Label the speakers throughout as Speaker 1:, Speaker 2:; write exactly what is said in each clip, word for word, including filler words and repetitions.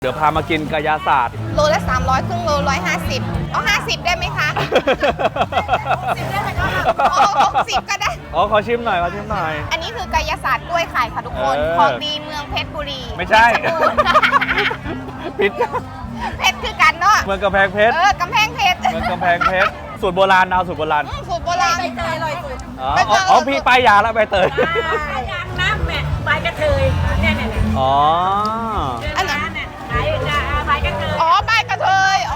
Speaker 1: เดี๋ยวพามากินกายาศาสตร์
Speaker 2: โลละสามร้อยครึ่งโลร้อยห้าสิบเอาห้าสิบได้ไหมคะหกสิบได้ไหมคะหกสิบก็ได้
Speaker 1: อ๋อขอชิมหน่อยขอชิมหน่อย
Speaker 2: อันนี้คือกายาศาสตร์กล้วยไข่ค่ะทุกคน
Speaker 1: เออ
Speaker 2: ของดีเมืองเพชรบุรี
Speaker 1: ไม่ใช่ ผิด
Speaker 2: เพชรคือกันเนาะ
Speaker 1: เมืองกำแพงเพชร
Speaker 2: เออกำแพงเพชร
Speaker 1: เมืองกำแพงเพชรสูตรโบราณเอาสูตรโบราณ
Speaker 2: อืมสูตรโบราณ
Speaker 3: ใบเตยอร่อยสุด
Speaker 1: อ๋อ
Speaker 2: ใบเตย
Speaker 1: อ๋อพี่ป้ายยาแล้วใบเตย
Speaker 3: ยางน้ำแม่ใบกระเทยเนี่ยเนี่ยเนี่ย
Speaker 1: อ๋อ
Speaker 3: อันนั้นเนี่ยขายใบกระเทย
Speaker 2: อ๋อใบกระเทยอ๋อก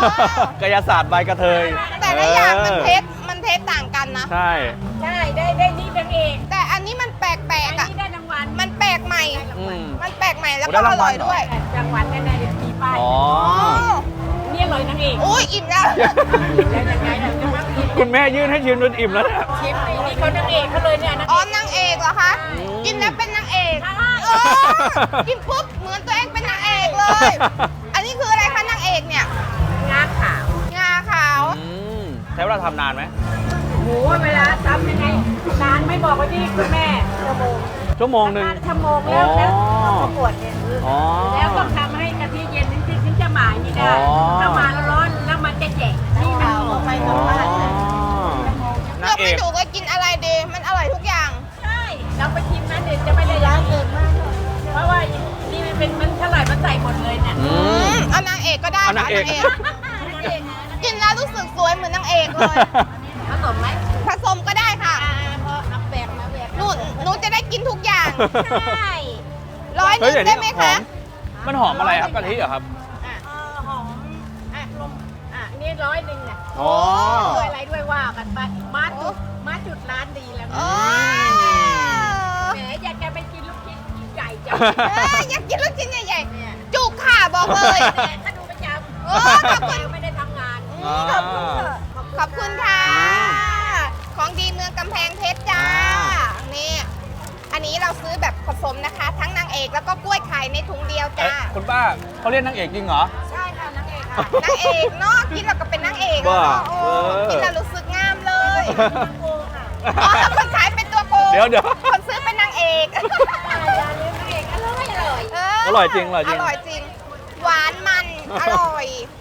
Speaker 1: ายาศาสตร์ใบกระเทย
Speaker 2: แต่ละอย่างมันเพ
Speaker 1: อ
Speaker 2: ชรมันเพชรต่างกันนะ
Speaker 1: ใช่
Speaker 3: ใช่ได้ได้นี่นางเอก
Speaker 2: แต่อันนี้มันแปลก
Speaker 3: อัน
Speaker 2: ๆอ่ะ
Speaker 3: นี้ได้รางวัล
Speaker 2: มันแปลกใหม่
Speaker 1: อืม
Speaker 2: มันแปลกใหม่แล้ว
Speaker 1: โอ้ได้
Speaker 2: ก็อ
Speaker 1: รางวั
Speaker 2: ร่
Speaker 1: ล
Speaker 2: อย
Speaker 1: เหรอ
Speaker 2: ด้วย
Speaker 3: รางวัลแน่ๆเดี๋ยวมีป้าย
Speaker 1: อ๋อ
Speaker 2: อ๋อ
Speaker 3: นี่อร่อยนางเอก
Speaker 2: อุ้ยอิ่มแล้ว
Speaker 3: แล้วยังไงล่ะจะมากิน
Speaker 1: คุณแม่ยื่นให้ชิมจนอิ่มแล้วเนี่ย
Speaker 3: ชิมนี่นี่เขานางเอกเขาเลยเนี่ยนาง
Speaker 2: อ๋อ
Speaker 3: เอก
Speaker 2: นางเอกเหรอคะ กินแล้วเป็นนางเอก
Speaker 3: ใช่
Speaker 2: เออกินปุ๊บเหมือนตัวเองเป็นนางเอกเลย อันนี้คืออะไรคะนางเอกเนี่ย
Speaker 3: งาขาว
Speaker 2: งาขาว
Speaker 1: อืมใช้เวลาทำนานไหม
Speaker 3: โหเวลาทำยังไงนานไม่บอกว่าที่คุณแม่ชั่วโมง
Speaker 1: ชั่วโมงหนึ่ง
Speaker 3: ชั่วโมงแล้วแล้วประกวดเนี่ย
Speaker 1: อ๋อ
Speaker 3: แล้วต้องทำให้กะทิเย็นถึงถึงจะหมายนี่ได้
Speaker 1: อ๋อ
Speaker 3: ถ้ามาแล้วร้อนแล้วมันจะแฉะนี่มันหอมไป
Speaker 1: อ๋
Speaker 3: ตร
Speaker 1: อง
Speaker 3: บ้านเลย
Speaker 1: นา
Speaker 2: เลื
Speaker 1: ง
Speaker 2: อก
Speaker 1: เอ
Speaker 2: ไม่
Speaker 1: ก
Speaker 2: ถูกว่ากินอะไรดี มันอร่อยทุกอย่าง
Speaker 3: ใช่เราไปชิมนะเดี๋ยวจะไม่ได้ร้านเกินมากเพราะว่านี่มันเป็นมันเท่าไหร่มันใส่หมดเลยเนี่ย
Speaker 1: อื
Speaker 2: อื
Speaker 1: ม
Speaker 2: มเอานางเอกก็ได้
Speaker 1: เอา
Speaker 2: ค่ะ
Speaker 1: นางเอก
Speaker 2: กินแล้วรู้สึกสวยเหมือนนางเอกเลย
Speaker 3: ผสมไหม
Speaker 2: ผสมก็ได้ค่ะ
Speaker 3: เพราะน้ำแบกนะแบก
Speaker 2: หนูหนูจะได้กินทุกอย่าง
Speaker 3: ใช่
Speaker 2: ร้อยห
Speaker 1: เฮ้ย
Speaker 2: นึ่ง
Speaker 1: เดี๋ยว
Speaker 2: ได้
Speaker 1: นี้
Speaker 2: ไหม
Speaker 1: หอ
Speaker 2: คะ
Speaker 1: มมันหอมอะไรครับกะทิเหรอครับ
Speaker 3: อ่ะเออหอมอ่ะลมอ่ะนี่ร้อยหนึ่งเนี่ย
Speaker 1: อ๋อ
Speaker 3: ด้วยอะไรด้วยว่ากันไปมาจุดมาจุดร้านดีแล้ว
Speaker 2: โอ้
Speaker 3: แหมอยากจะไปกินลูกชิ้นใหญ่จัง
Speaker 2: เอ้ยอยากกินลูกชิ้นใหญ่ๆ จุกค่ะบอกเลย
Speaker 3: แต่ถ้าดูประจำ
Speaker 2: โอ้ขอบคุณ
Speaker 3: ไม่ได้ทำงาน
Speaker 1: อ่า
Speaker 2: ขอบคุณค่ะขอบคุณค่ะ ของดีเมืองกำแพงเพชรจ้า นี่ อันนี้เราซื้อแบบผสมนะคะ ทั้งนางเอกแล้วก็กล้วยไข่ในถุงเดียว
Speaker 1: เอ๊ะ
Speaker 2: จ้า
Speaker 1: คุณป้าเขาเรียกนางเอกจริงเหรอ
Speaker 3: ใช่ค่ะนางเอกค่ะ
Speaker 2: นางเอกเนาะกินแล้วก็เป็นนางเอกอะ
Speaker 1: บ้า
Speaker 2: เนาะโอ้
Speaker 1: เออ
Speaker 2: กินแล้วรู้สึกงามเลย
Speaker 3: โกงค่ะ
Speaker 2: อ๋อคนขายเป็นตัวโกง
Speaker 1: เดี๋ยวเดี๋ยว
Speaker 2: คนซื้อเป็นนางเอก
Speaker 3: อย่าลืมนางเอกอร่อยอร่อย
Speaker 2: เ
Speaker 1: อร่อยจริงอร่อยจริง
Speaker 2: อร่อยจริง หวานมัน อร่อย